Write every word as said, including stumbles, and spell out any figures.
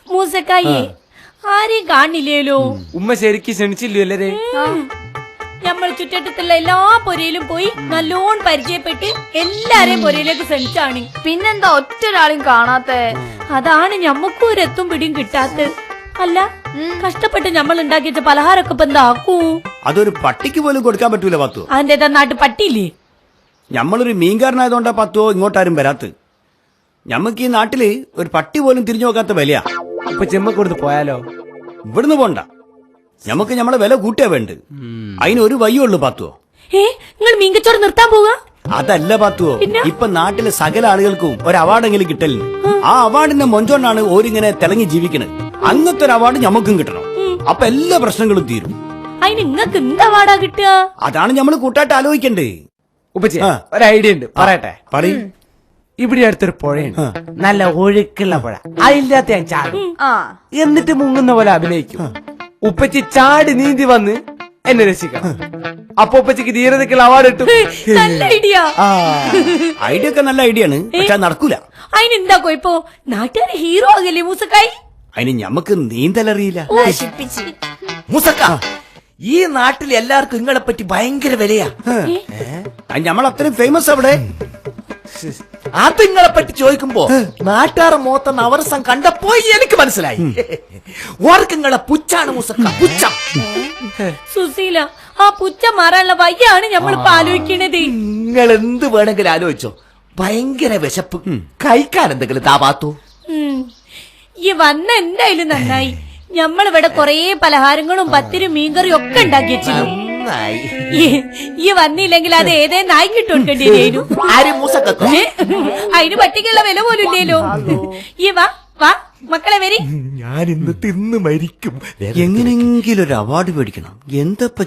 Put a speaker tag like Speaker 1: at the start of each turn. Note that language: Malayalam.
Speaker 1: മൂസക്കായി ആരെയും കാണില്ലേലോ?
Speaker 2: ഉമ്മ ശരിക്കും ക്ഷണിച്ചില്ലേ?
Speaker 1: നമ്മൾ ചുറ്റട്ടത്തുള്ള എല്ലാ പൊരയിലും പോയി നല്ലോണം പരിചയപ്പെട്ട് എല്ലാരെയും പൊരയിലേക്ക് ക്ഷണിച്ചാണ്.
Speaker 3: പിന്നെന്താ ഒറ്റ ഒരാളെയും കാണാത്ത?
Speaker 1: അതാണ് ഞമ്മക്കും ഒരു എത്തും പിടിയും കിട്ടാത്ത. അല്ല, കഷ്ടപ്പെട്ട് നമ്മൾ ഉണ്ടാക്കിയ പലഹാരൊക്കെ ഇപ്പൊ എന്താക്കൂ?
Speaker 4: അതൊരു പട്ടിക്ക് പോലും കൊടുക്കാൻ പറ്റൂല പത്തോ.
Speaker 1: അതിന്റെ നാട്ടു പട്ടിയില്ലേ?
Speaker 4: ഞമ്മളൊരു മീൻകാരനായതുകൊണ്ടാ പത്തോ ഇങ്ങോട്ടാരും വരാത്ത്. ഞമ്മക്ക് ഈ നാട്ടില് ഒരു പട്ടി പോലും തിരിഞ്ഞു നോക്കാത്ത വിലയാ.
Speaker 2: ഇപ്പൊ ചെമ്മ കൊടുത്ത് പോയാലോ?
Speaker 4: ഇവിടുന്ന് പോണ്ട, ഞമ്മക്ക് ഞമ്മളെ വില കൂട്ടിയാ വേണ്ട. അതിന് ഒരു വയ്യുള്ളൂ പാത്തുവോ.
Speaker 1: ഏ നിങ്ങൾ മീൻകച്ചോറ് നിർത്താൻ പോവാ?
Speaker 4: അതല്ല പാത്തുവോ, ഇപ്പൊ നാട്ടിലെ സകല ആളുകൾക്കും ഒരു അവാർഡെങ്കിലും കിട്ടലിന്. ആ അവാർഡിന്റെ മൊഞ്ചോണ്ടാണ് ഓരിങ്ങനെ തിളങ്ങി ജീവിക്കണത്. അങ്ങനത്തെ ഒരു അവാർഡ് ഞമ്മക്കും കിട്ടണം. അപ്പൊ എല്ലാ പ്രശ്നങ്ങളും തീരും.
Speaker 1: അതിന് നിങ്ങക്ക് എന്താ അവാർഡാ കിട്ടുക?
Speaker 4: അതാണ് ഞമ്മള് കൂട്ടായിട്ട് ആലോചിക്കണ്ടേ.
Speaker 2: ഉപ്പച്ചി ഒരു ഐഡിയ ഉണ്ട്, പറയട്ടെ?
Speaker 4: പറയും.
Speaker 2: ഇവിടെ അടുത്തൊരു പുഴയുണ്ട്, നല്ല ഒഴുക്കുള്ള പുഴ. അതില്ലാത്ത ഞാൻ ചാടും, എന്നിട്ട് മുങ്ങുന്ന പോലെ അഭിനയിക്കും. ഉപ്പച്ചി ചാടി നീന്തി വന്ന് എന്നെ രക്ഷിക്കണം. അപ്പൊ ഉപ്പച്ചിക്ക് ധീരതയ്ക്കുള്ള അവാർഡ് കിട്ടും.
Speaker 1: നല്ല ഐഡിയ.
Speaker 4: ഐഡിയ ഒക്കെ നല്ല ഐഡിയ ആണ്, പക്ഷെ നടക്കൂല.
Speaker 1: അതിനെന്താ കൊയ്പ്പോ? നാട്ടുകാരെ ഹീറോ ആകല്ലേ മൂസക്കായി?
Speaker 4: അതിന് ഞമ്മക്ക് നീന്തലറിയില്ല.
Speaker 5: മൂസക്ക, ഈ നാട്ടിൽ എല്ലാവർക്കും നിങ്ങളെ പറ്റി ഭയങ്കര വിലയാ.
Speaker 4: ഞമ്മൾ അത്രയും ഫേമസ് അവിടെ.
Speaker 5: അത് നിങ്ങളെ പറ്റി ചോദിക്കുമ്പോ നാട്ടുകാരെ മോത്തന്ന് അവരസം കണ്ടപ്പോ എനിക്ക് മനസ്സിലായി. ഓർക്ക് നിങ്ങളെ പുച്ചാണ് മൂസക്ക, പുച്ഛം.
Speaker 1: സുശീല, ആ പുച്ച മാറാനുള്ള വയ്യാണ് നമ്മളിപ്പോ ആലോചിക്കണത്.
Speaker 5: നിങ്ങൾ എന്ത് വേണമെങ്കിലും ആലോചിച്ചോ. ഭയങ്കര വിശപ്പ്, കഴിക്കാൻ എന്തെങ്കിലും താപാത്തു.
Speaker 1: ഈ വന്ന എന്തായാലും നന്നായി. ഞമ്മളിവിടെ കൊറേ പലഹാരങ്ങളും പത്തിരും മീൻകറിയും ഒക്കെ ഉണ്ടാക്കി വെച്ചിരുന്നു. ഈ വന്നില്ലെങ്കിൽ അത് ഏതേ നായ്ക്കിട്ട് കൊടുക്കേണ്ടി വരും. അതിന് പട്ടിക്കുള്ള വില പോലും ഇല്ലല്ലോ. ഈ വാ വാ മക്കളെ വരി.
Speaker 5: ഞാൻ ഇന്ന് തിന്ന് മരിക്കും.
Speaker 4: എങ്ങനെങ്കിലും ഒരു അവാർഡ് മേടിക്കണം. എന്താ